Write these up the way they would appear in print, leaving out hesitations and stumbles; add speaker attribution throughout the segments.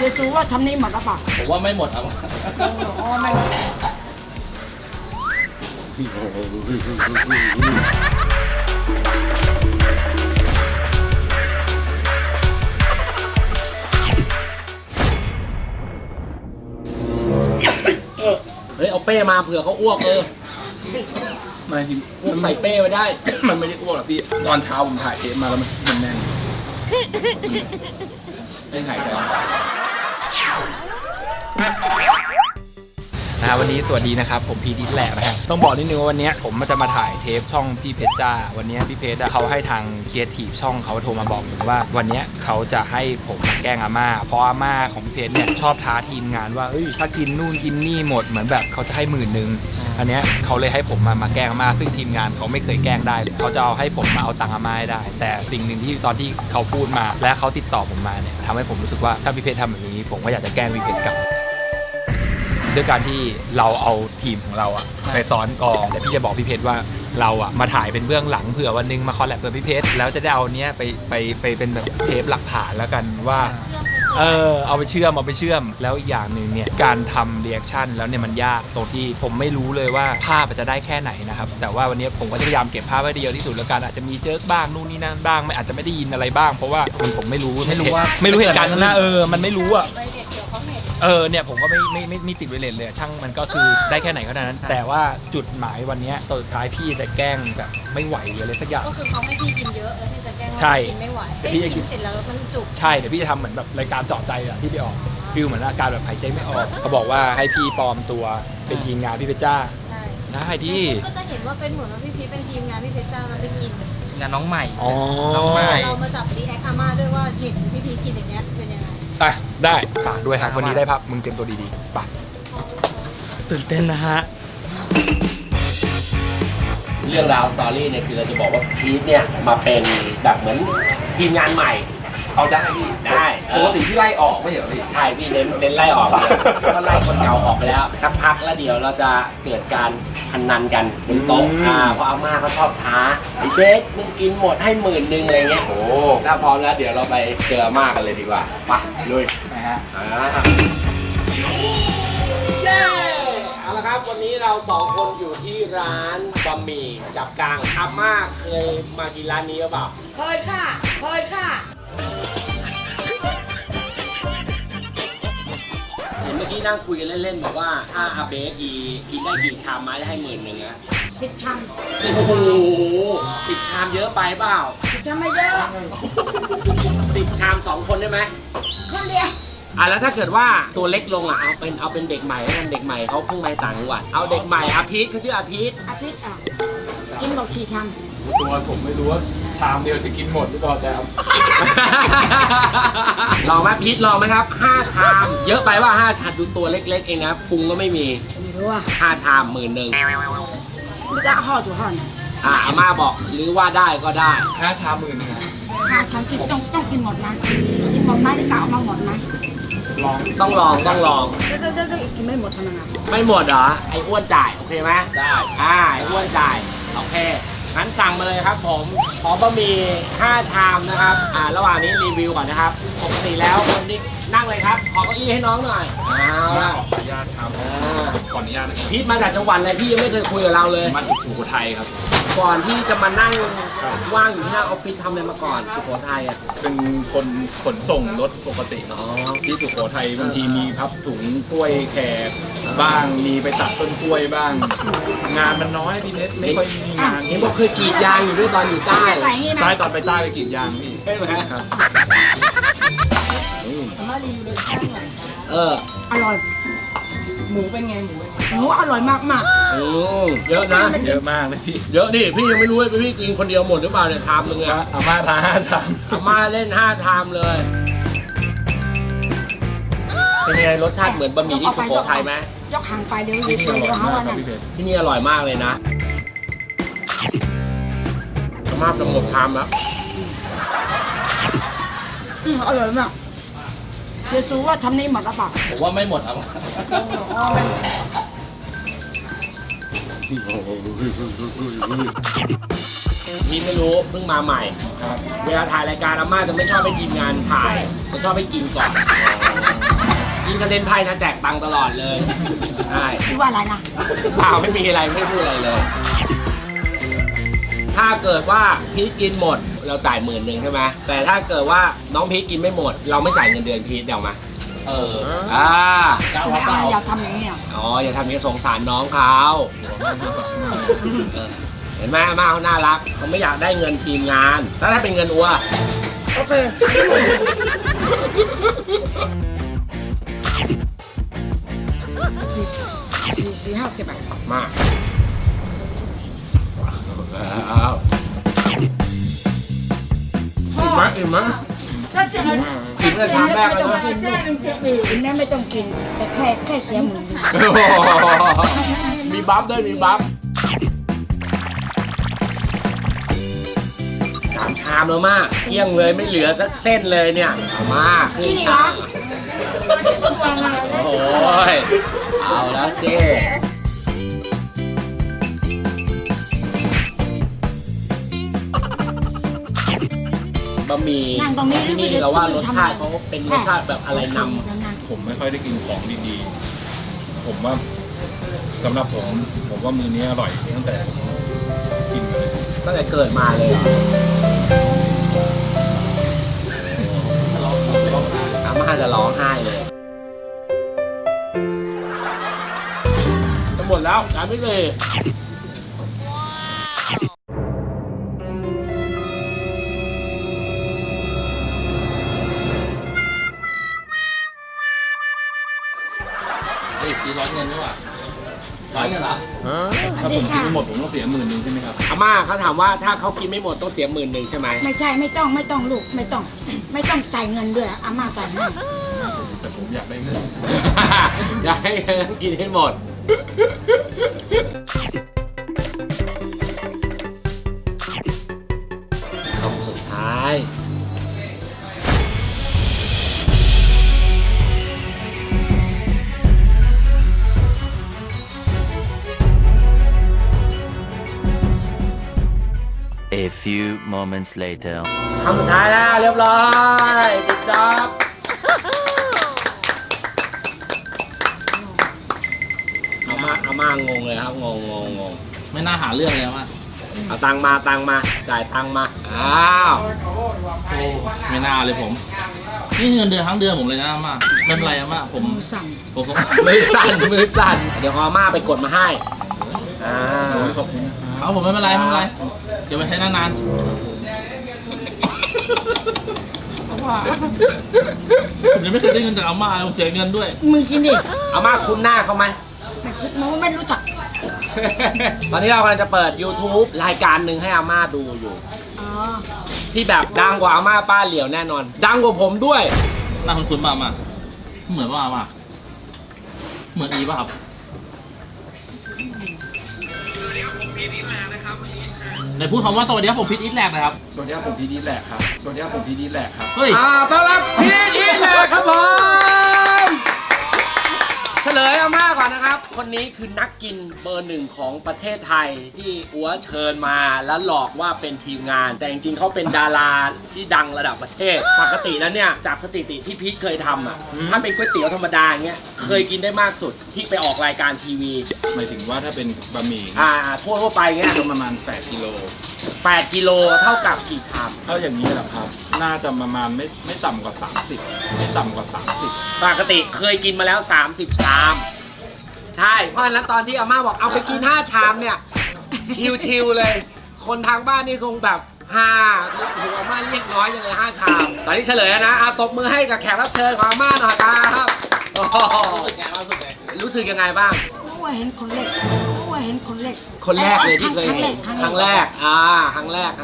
Speaker 1: ยซูว่าทำนี้หมดหรือเปล่า
Speaker 2: ผมว่าไม่หมดเอา
Speaker 1: อ๋อไม่หมด
Speaker 2: เฮ้ยเอาเป้มาเผื่อเขาอ้วก
Speaker 3: ไม่จริง
Speaker 2: อ้วกใส่เป้ไว้ได้
Speaker 3: มันไม่ได้อ้วกหรอกพี่ตอนเช้าผมถ่ายเทปมาแล้วมันแน่นไม่หายใจวันนี้สวัสดีนะครับผมพีดีแหลกนะฮะต้องบอกนิดนึงว่าวันนี้ผมจะมาถ่ายเทปช่องพี่เพชรจ้าวันนี้พี่เพชรเขาให้ทางเคียร์ทีฟช่องเขาโทรมาบอกผมว่าวันนี้เขาจะให้ผมแกล้งอาม่าเพราะอาม่าของพี่เพชรเนี่ยชอบท้าทีมงานว่าถ้ากินนู่นกินนี่หมดเหมือนแบบเขาจะให้10,000อันนี้เขาเลยให้ผมมาแกล้งอาม่าซึ่งทีมงานเขาไม่เคยแกล้งได้เลยเขาจะเอาให้ผมมาเอาตังค์อาม่าได้แต่สิ่งหนึ่งที่ตอนที่เขาพูดมาและเขาติดต่อผมมาเนี่ยทำให้ผมรู้สึกว่าถ้าพี่เพชรทำแบบนี้ผมก็อยากจะแกล้งพี่เพชรกลับด้วยการที่เราเอาทีมของเราอะไปซ้อนกองแต่พี่จะบอกพี่เพชรว่าเราอะมาถ่ายเป็นเบื้องหลังเผื่อวันนึงมาคอลแลบกับพี่เพชรแล้วจะได้เอาเนี้ยไปเป็นแบบเทปหลักฐานแล้วกันว่าเอาไปเชื่อมแล้วอีกอย่างหนึ่งเนี่ยการทำเรีแอคชั่นแล้วเนี่ยมันยากตรงที่ผมไม่รู้เลยว่าภาพจะได้แค่ไหนนะครับแต่ว่าวันนี้ผมก็จะพยายามเก็บภาพไว้ได้เยอะที่สุดแล้วกันอาจจะมีเจิกบ้างนู่นนี่นั่นบ้างอาจจะไม่ได้ยินอะไรบ้างเพราะว่าผมไม่รู้เหตุการณ์นั้นนะมันไม่รู้อะเนี่ยผมก็ไม่ติดไวเลสเลยช่างมันก็คือได้แค่ไหนเท่านั้นแต่ว่าจุดหมายวันนี้ตอนสุดท้ายพี่จะแกล้งแบบไม่ไหวหรืออะไรสักอย่าง
Speaker 4: ก็คือเขาให้พี่กินเยอะแล้วพี่จะแกล้ง
Speaker 3: ว่า
Speaker 4: กินไม่ไหว
Speaker 3: พี่จะกิน
Speaker 4: เสร็จแล้วมันจุก
Speaker 3: ใช่เดี๋ยวพี่จะทำเหมือนแบบรายการเจาะใจอะที่ไปออกฟิลเหมือนอาการแบบหายใจไม่ออกเขาบอกว่าให้พี่ปลอมตัวเป็นทีมงานพี่เพชรจ้าได้ที่
Speaker 4: ก็จะเห็นว่าเป็นเหมือนว่าพี่พีเป็นทีมงานพี่เพชรจ้าแล้วไปกิน
Speaker 5: งานน้องใหม่
Speaker 3: น้องใหม่
Speaker 4: เรามาจับรีแอคอาม่าด้วยว่าเห็นพี่พีกินอย่างเงี้ยเป็นยังไง
Speaker 3: ได้ฝากด้วยครับวันนี้ได้พับมึงเตรียมตัวดีๆไปตื่นเต้นนะฮะ
Speaker 2: เรื่องราวสตอรี่เนี่ยคือเราจะบอกว่าพีทเนี่ยมาเป็นแบบเหมือนทีมงานใหม่
Speaker 3: เอาได้พี่
Speaker 2: ได้
Speaker 3: ปกติพี่ไล่ออกไม่เหรอพี่
Speaker 2: ใช่พี่เน้นไล่ออกเลยก็ไล่คนเก่าออกไปแล้วสักพักแล้วเดี๋ยวเราจะเกิดการพนันกันบนโต๊ะเพราะอาม่าเขาชอบท้าไอ้เจ๊มึงกินหมดให้10,000อะไรเงี้ยโอ้ถ้าพร้อมแล้วเดี๋ยวเราไปเจออาม่ากันเลยดีกว่าไปลุย
Speaker 3: นะฮะ
Speaker 2: เอาละครับวันนี้เรา2คนอยู่ที่ร้านบะหมี่จับกังอาม่าเคยมากินร้านนี้หรือเปล่า
Speaker 1: เคยค่ะ
Speaker 2: เห็นเมื่อกี้นั่งคุยกันเล่นๆบอกว่าถ้าอาเบสกินได้กี่ชามไม้ได้ให้10,000นะ
Speaker 1: 10 ชาม
Speaker 2: โอ้โห10 ชามเยอะไปเปล่า
Speaker 1: 10 ชามไม่เยอะ
Speaker 2: 10 ชาม2 คนได้ไหม
Speaker 1: คนเดียว
Speaker 2: แล้วถ้าเกิดว่าตัวเล็กลงเอาเป็นเด็กใหม่กันเด็กใหม่เขาเพิ่งมาต่างจังหวัดเอาเด็กใหม่อาพีทเขาชื่ออาพีท
Speaker 1: กินหมดกี่ชาม
Speaker 3: ตัวผมไม่รู้ว่าชามเดียวจะกินหมดหรือเปล่าแต่
Speaker 2: ลองไหมพีทลองไหมครับ5 ชามเยอะไปว่า5 ชามดูตัวเล็กๆเองนะพุงก็ไม่มี5 ชาม10,000
Speaker 1: ไม่ได้ห่อตัวห่อ
Speaker 2: อาม่าบอกหรือว่าได้ก็ได้
Speaker 3: 5 ชาม10,000นะ
Speaker 1: 5 ชามกินต้องกินหมดนะกินหมดไหมจะเอามาหมดไหม
Speaker 2: ต้องลอง
Speaker 1: กินไม่หมดเท่านั้น
Speaker 2: ไม่หมดเหรอไอ้อ้วนจ่ายโอเคไหมได้ไอ้อ้วนจ่ายโอเคงั้นสั่งมาเลยครับผมขอบะหมี่5 ชามนะครับระหว่างนี้รีวิวก่อนนะครับปกติแล้วคนที่นั่งเลยครับขอเก้าอี้ให้น้องหน่อย
Speaker 3: ขออนุญาตครับขออนุญาตนะครับ
Speaker 2: พีทมาจากจังหวัดอะไรพี่ยังไม่เคยคุยกับเราเลย
Speaker 3: มาจากสุโขทัยครับ
Speaker 2: ก่อนที่จะมานั่งว่างอยู่ที่หน้าออฟฟิศทำอะไรมาก่อนสุโขทัย
Speaker 3: เป็นคนขนส่งรถปกติที่สุโขทัยบางทีมีพับถุงกล้วยแขกบ้างมีไปตัดต้นกล้วยบ้างงานมันน้อยพี่เน็ตไม่ค่อยมีงาน
Speaker 2: เห็นบอกเคยกรีดยางอยู่ด้วยตอนอยู่ใต้
Speaker 3: ตอนไปใต้ไปกรีดยางพี่
Speaker 2: ใช่ไหมครับ
Speaker 1: มารีวิวเลยอร่อยหมูเป็นไงหมูอร่อยมาก
Speaker 2: เยอะนะ
Speaker 3: เยอะมากเลยพี่
Speaker 2: เยอะดิพี่ยังไม่รู้เลยพี่กินคนเดียวหมดหรือเปล่าเนี่ยชามนึงอะ
Speaker 3: อาม่าทาน5 ชาม
Speaker 2: อาม่าเล่น5 ชามเลยเป็นไงรสชาติเหมือนบะหมี่ที่สุโขทัยไหม
Speaker 1: ยกห่างไปเดี๋ยว
Speaker 3: ที่นี่อร่อยมากครับพี่เพชร
Speaker 2: ที่นี่อร่อยมากเลยนะอาม่าจะหมดชามแล้ว
Speaker 1: อร่อยมากเยซูว่าทำนี้หมดหรือเปล่า
Speaker 2: ผมว่าไม่หมดเอาพี่ไม่รู้เพิ่งมาใหม่เวลาถ่ายรายการอาม่าจะไม่ชอบให้ทีมงานถ่ายจะชอบให้กินก่อนยิ่งจะเล่นไพ่นะแจกตังค์ตลอดเลยใช่
Speaker 1: พี่ว่าอะไรนะ
Speaker 2: เปล่าไม่มีอะไรไม่พูดอะไรเลย ถ้าเกิดว่าพีทกินหมดเราจ่าย10,000ใช่ไหมแต่ถ้าเกิดว่าน้องพีทกินไม่หมด เราไม่จ่ายเงินเดือนพีทเดี๋ยวมา
Speaker 1: ไม่เอาอย่าทำอย่างนี้อ่ะ
Speaker 2: อ๋ออย่าทำอย่างนี้สงสารน้องเขาเห็นไหมอาม่าเขาน่ารักเขาไม่อยากได้เงินทีมงานแล้วถ้าเป็นเงินอัว
Speaker 1: โอเค40-50 บาท
Speaker 2: มากอิ่มไหมกินได้ชามแรกเลยนะ
Speaker 1: กินแม่ไม่ต้องกิน แต่แค่เสียหมื่น
Speaker 2: มีบัฟด้วยมีบัฟ3 ชามแล้วมากเกลี้ยงเลยไม่เหลือสักเส้นเลยเนี่ยมาขึ้นชามโอ้ยเอาแล้วสิบะหมี่ที่นี่เราว่ารสชาติเขาเป็นรสชาติแบบอะไรนำ
Speaker 3: ผมไม่ค่อยได้กินของดีๆผมว่าสำหรับผมว่ามื้อนี้อร่อยตั้งแต่กินมาเลย
Speaker 2: ตั้งแต่เกิดมาเลยอาม่าจะร้องไห้เลยจะหมดแล้วจานไม่เลย
Speaker 3: ตีร้อยเงินด้วยร้อยเงินเหรอถ้าผมกินไม่หมดผมต้องเสีย10,000ใช่ไหมครับ
Speaker 2: อาม่าเขาถามว่าถ้าเขากินไม่หมดต้องเสีย10,000ใช่ไหม
Speaker 1: ไม่ใช่ไม่ต้องลูกไม่ต้องจ่ายเงินด้วยอาม่าจ่ายให้
Speaker 3: แต่ผมอยากได้เงิน
Speaker 2: อยากให้กินให้หมดคำสุดท้าย
Speaker 5: A few moments later.
Speaker 2: คำสุดท้ายแล้วเรียบร้อยปิดจ็อบอาม่างงเลยครับงง
Speaker 3: ไม่น่าหาเรื่องเลยว่า
Speaker 2: เอาตังมาจ่ายตังมาอ้าว
Speaker 3: ไม่น่าเลยผมนี่เงินเดือนทั้งเดือนผมเลยนะอาม่าไม่เป็นไรอาม่าผม
Speaker 1: สั่ง
Speaker 2: มือสั่นเดี๋ยวอาม่าไปกดมาให้
Speaker 3: ขอบคุณเอาผมไม่เป็นไรเดี๋ยวไปใช้นานๆผมยังไม่เคยได้เงินจากอาม่าผมเสียเงินด้วย
Speaker 1: มึงกินดิ
Speaker 2: อาม่าคุ้นหน้าเขาไหม
Speaker 1: ไม่รู้จัก
Speaker 2: ตอนนี้เรากำลังจะเปิด YouTube รายการหนึ่งให้อาม่าดูอยู่
Speaker 1: อ๋อ
Speaker 2: ที่แบบดังกว่าอาม่าป้าเหลียวแน่นอน ดังกว่าผมด้วย
Speaker 3: หน้าคุ้นๆมาเหมือนว่าอาม่าเหมือนอีป่ะครับไหนพูดคำว่าสวัสดีครับผมพีทอีทแลกนะครับ
Speaker 6: สวัสดีครับผมพีทอีทแหลกครับ สวัสดีครับผมพีทอีทแหลกครับ
Speaker 3: เฮ้ย
Speaker 2: ต้อนรับพีทอีทแลกครับผม เฉลยอาม่าก่อนนะครับ คนนี้คือนักกินเบอร์ 1ของประเทศไทยที่อัวเชิญมาแล้วหลอกว่าเป็นทีมงาน แต่จริงๆเขาเป็นดาราที่ดังระดับประเทศ ปกติแล้วเนี่ยจากสถิติที่พีทเคยทำอ่ะถ้าเป็นก๋วยเตี๋ยวธรรมดาเงี้ยเคยกินได้มากสุดที่ไปออกรายการทีวี
Speaker 6: หมายถึงว่าถ้าเป็นบะหมี่
Speaker 2: ทั่วไปเงี้ย
Speaker 6: ก็ประมาณ8กิโล
Speaker 2: 8 กิโลเท่ากับกี่ชาม
Speaker 6: เท่าอย่างนี้แหละครับ น่าจะประมาณไม่ต่ำกว่า30ไม่ต่ำกว่า30
Speaker 2: ปกติเคยกินมาแล้ว30 ชาม ใช่เพราะฉะนั้นตอนที่อาม่าบอกเอาไปกิน5 ชามเนี่ยชิวๆเลย คนทางบ้านนี่คงแบบหัวอาม่าเรียกน้อยจังเลย5 ชามตอนนี้เฉลยแล้วนะเอาตบมือให้กับแขกรับเชิญของอาม่าหน่อยครับโอ้โหรู้สึกยังไงบ้าง
Speaker 1: ว่าเห็นคนเล็ก
Speaker 2: คนแรกเลยที่เคยเห็นครั้งแรกครั้งแรก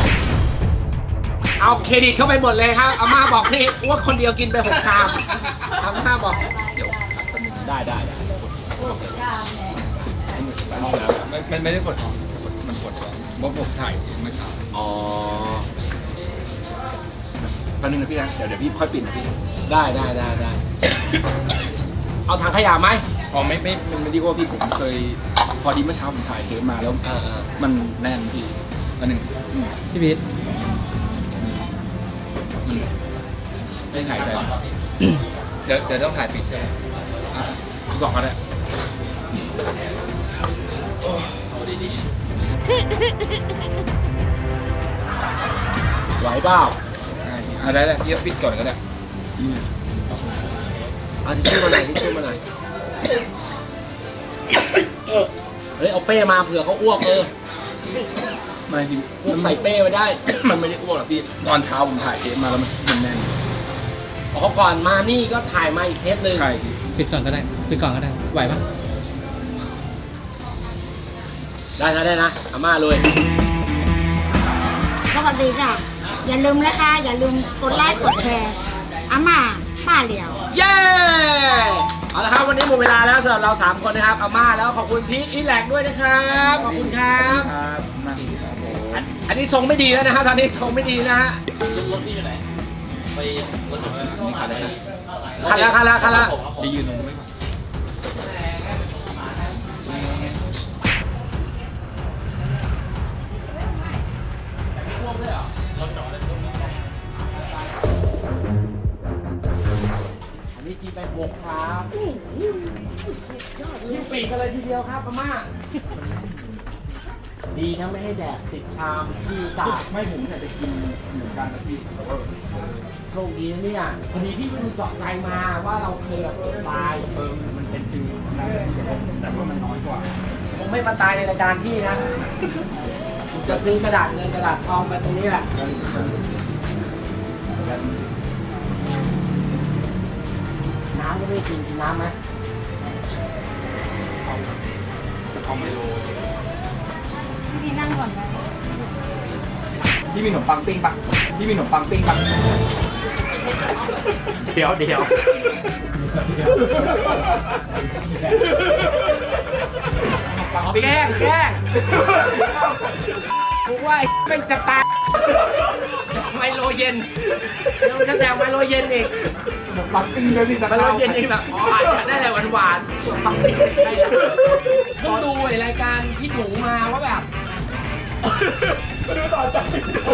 Speaker 2: เอาเครดิตเข้าไปหมดเลยครับอาม่าบอกนี่ว่าคนเดียวกินไป6 ชามอาม่าบอกเดี๋ยวได้
Speaker 6: มันไม่ได้กดมันกดเพราะผมถ่ายเมื่อเช้า
Speaker 2: อ๋อ
Speaker 6: แป๊บนึงนะพี่นะเดี๋ยวพี่ค่อยปิดนะพี่
Speaker 2: ได้ เอาถังขยะไหม
Speaker 6: อ๋อไม่ดีกว่าพี่ผมเคยพอดีเมื่อเช้าผมถ่ายเทปมาแล้วมันแน่นพี่อันหนึ่งพี่พีทไม่หายใจเดี๋ยวต้องถ่ายปิดใช่ไหมอ่ะพี่บอกเขาได้ไหวเปล่าได้เลยพี่ปิดก่อนก็ได้
Speaker 2: เอาทิชชู่มาหน่อยทิชชู่มาหน่อยเฮ้ยเอาเป้มาเผื่อเขาอ้วก
Speaker 6: ไม่จริง
Speaker 2: อ้วกใส่เป้ไว้ได้
Speaker 6: มันไม่ได้อ้วกหรอกพี่ตอนเช้าผมถ่ายเทปมาแล้วมันแน่น
Speaker 2: อ๋อก่อนมานี่ก็ถ่ายมาอีกเทปหนึ่ง
Speaker 6: ใช่พี่
Speaker 1: ปิดก่อนก็ได้ไหวปะ
Speaker 2: ได้นะอาม่าเลย
Speaker 7: สวัสดีค่ะ อย่าลืมนะคะ อย่าลืมกดไลค์กดแชร์อาม่าป้าเหลียว
Speaker 2: เย้เอาละครับวันนี้หมดเวลาแล้วสำหรับเรา3คนนะครับอาม่าแล้วขอบคุณพีทอีแลกด้วยนะครับขอบคุณครับ
Speaker 6: ครับนั่งครับผม
Speaker 2: อันนี้ทรงไม่ดีแล้วนะฮะตอนนี้ทรงไม่ดีนะฮะ
Speaker 6: นี่ขาดเลยนะ
Speaker 2: คันละ
Speaker 6: ดียืนลงไว้ก่อน
Speaker 2: อันนี้กินไป6ครับยิ่งปีกกันเลยทีเดียวครับอาม่าดีนะไม่ให้แดก10 ชามที่ตาก
Speaker 6: ไม่ผมอยากจะกินเหมือนกันนะพี่แต่ว่า
Speaker 2: โชคดีนะเนี่ยพอดีพี่ไปดูเจาะใจมาว่าเราเคยแบบตาย
Speaker 6: มันเป็นฟิวนะแต่ว่ามันน้อยกว่า
Speaker 2: คงไม่มาตายในรายการพี่นะผมจะซื้อกระดาษเงินกระดาษทองไปตรงนี้แหละน้ำก็ไม่กินน้ำไหม
Speaker 6: เอาไมโล
Speaker 7: พี่นั่งก่อนไหม
Speaker 6: พี่มีขนมปังปิ้งปะพี่มีขนมปังปิ้งปะเดี๋ยว
Speaker 2: แกล้งกูว่าไม่จะตายไมโลเย็นเราจะแจกไมโลเย็นอีก
Speaker 6: ขนมปังปิ้งเลยพี่
Speaker 2: ไมโลเย็นอีกแบบอ๋ออาจจะได้อะไรหวานๆความจริงไม่ใช่แล้วต้องดูไอ้รายการพี่หนูมาว่าแบบมาดูต่อใจ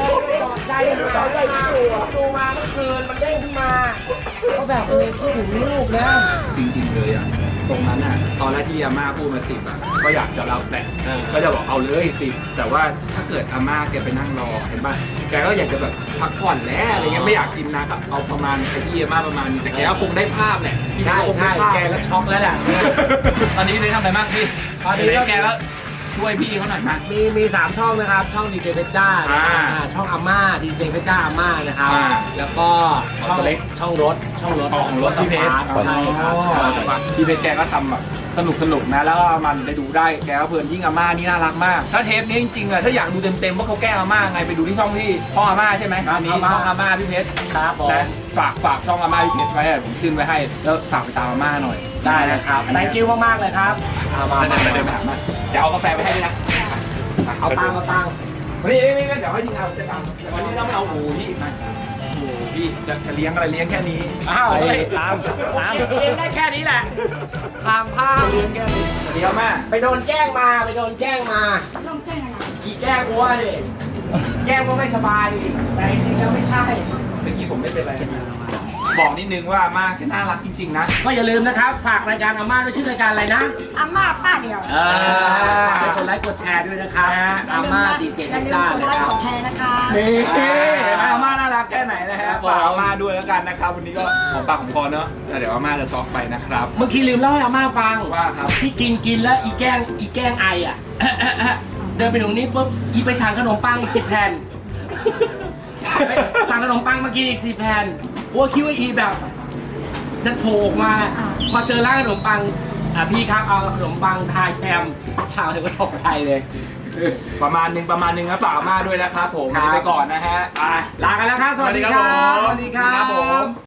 Speaker 2: ดูมาเมื่อคืนมันเด้งขึ้นมาก็แบบพูดถึงลูกนะ
Speaker 6: จริงๆเลยอ่ะตรงนั้นอ่ะตอนแรกที่อาม่าพูดมา10อ่ะก็อยากจะรับแหละก็จะบอกเอาเลย10แต่ว่าถ้าเกิดอาม่าแกไปนั่งรอเห็นป่ะแกก็อยากจะแบบพักผ่อนแล้วอะไรเงี้ยไม่อยากกินนะกับเอาประมาณไอ้ที่อาม่าประมาณนี้แต่แกก็คงได้ภาพแหละพี่
Speaker 2: ใช่
Speaker 6: คงได้ภาพ
Speaker 2: แกก็ช็อกแล้วแหละ
Speaker 6: ตอนนี้ได้ทำอะไรบ้างพี่
Speaker 2: ตอนนี้ก็
Speaker 6: แกก็ช่วยพี่เขาหน่อยมั้ย
Speaker 2: มี3 ช่องนะครับ ช่องดีเจเพชรจ้า ช่องอาม่าดีเจเพชรจ้าอาม่านะครับ แล้วก็ช่องเล็กช่องรถ
Speaker 6: ของรถพี่เพชร
Speaker 2: ใช่ครับ
Speaker 6: พี่เพชรแกก็ทำแบบสนุกนะแล้วก็มันไปดูได้แกก็เพลินยิ่งอาม่านี่น่ารักมาก ถ้าเทปนี้จริงๆอะถ้าอยากดูเต็มๆว่าเขาแกล้งอาม่าไงไปดูที่ช่องที่พ่ออาม่าใช่ไหมอันนี้ช่องอาม่าพี่เพชร
Speaker 2: ครับผม
Speaker 6: นะฝากช่องอาม่าพี่เพชรไว้ผมขึ้นไว้ให้แล้วฝากไปตามอาม่าหน่อย
Speaker 2: ได้นะครับ thank you มากๆเลยครับมา
Speaker 6: เดินไปหามาเดี๋ยวเอากาแฟไปให้ด้วยนะ
Speaker 2: เอาตังค์
Speaker 6: นี่เดี๋ยวให้ทีมงานผมจะทำแต่วันนี้เราไม่เอาหมูพี่มาโอ้โหพี่จะเลี้ยงอะไรเลี้ยงแค่นี้
Speaker 2: อ้าวตามเลี้ยงได้แค่นี้แหละตามภาพ
Speaker 6: เลี้ยงแค่นี้เดี๋ยวแม่
Speaker 2: ไปโดนแกล้งมา
Speaker 7: ต้องแจ้งอะไร
Speaker 2: กี่แกล้งวัวดิแกล้งว่าไม่สบายดิแต่จริงๆแล้วไม่ใช่
Speaker 6: เมื่อกี้ผมไม่เป็นไรบอกนิดนึงว่าอาม่าแกน่ารักจริงๆนะ
Speaker 2: ก็อย่าลืมนะครับ ฝากรายการอาม่าด้วยชื่อรายการอะไรนะ
Speaker 7: อาม่าป้าเหลียว
Speaker 2: ฝากไปกดไลค์กดแชร์ด้วยนะครับอาม่าดีเจ
Speaker 7: อย่าลืม
Speaker 2: จ้าก
Speaker 7: ด
Speaker 2: นะ
Speaker 7: ไล
Speaker 2: ค
Speaker 7: ค์
Speaker 2: รับ
Speaker 7: กดแชร์นะคะ
Speaker 6: นี่เห็นไหมอาม่าน่ารักแค่ไหนนะฮะฝากอาม่าด้วยแล้วกันนะครับวันนี้ก็หอมปากหอมคอเนอะแต่เดี๋ยวอาม่าจะช็อกไปนะครับ
Speaker 2: เมื่อกี้ลืมเล่าให้อาม่าฟัง
Speaker 6: ว่าครับ
Speaker 2: ที่กินแล้วอีแกล้งไออ่ะ เดินไปตรงนี้ปุ๊บอีไปสั่งขนมปังอีก10 แผ่นไปสั่งขนมปังมากินอีก10 แผ่นโอ้คิดว่าอีแบบจะโถกมา พอเจอร้านขนมปังพี่ครับเอาขนมปังทายแคมชาวเลยก็ตกใจเลย
Speaker 6: ประมาณหนึงนะฝากอาม่าด้วยนะครับผม
Speaker 2: ครับ
Speaker 6: ไปก่อนนะฮะไป
Speaker 2: ลากันแล้วครับ สวัสดีครับ
Speaker 6: สวัสดีครับผม